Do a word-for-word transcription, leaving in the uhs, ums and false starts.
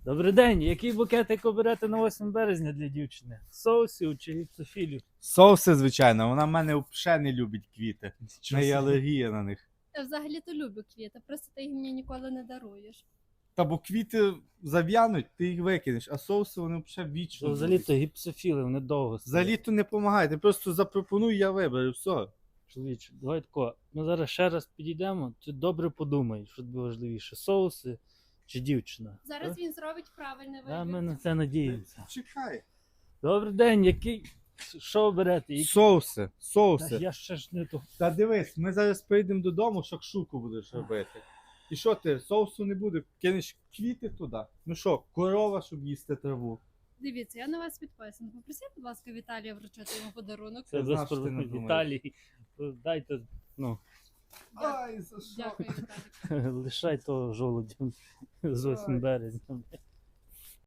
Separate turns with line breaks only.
Добрий день. Який букетик оберете на восьме березня для дівчини? Соусів чи гіпсофілів?
Соуси, звичайно, вона в мене взагалі не любить квіти. В неї алергія на них.
Я взагалі-то люблю квіти, просто ти їх мені ніколи не даруєш.
Та бо квіти зав'януть, ти їх викинеш, а соуси вони взагалі вічно.
Взагалі-то гіпсофіли, вони довго стоять.
Взагалі то не допомагає, ти просто запропонуй, я виберу, все.
Чоловіче, давай тако. Ми зараз ще раз підійдемо, ти добре подумай, що тобі важливіше, соуси чи дівчина.
Зараз
Так?
він зробить правильний
А ми
вибір.
на це надіємося.
Чекай.
Добрий день, який. Що оберете? Які...
Соуси,
Та
соуси.
Я ще ж не то.
Та дивись, ми зараз прийдемо додому, шакшуку будеш робити. І що ти, соусу не буде, кинеш квіти туди. Ну що, корова, щоб їсти траву.
Дивіться, я на вас підписана. Попросіть, будь ласка, Віталія вручити йому подарунок.
Це
Я знав,
без
що ти не
проблем.
думаєш.
Віталій, дайте, ну,
Ай, за що?
Дякую, Віталій.
лишай того жолудя з восьмим березня.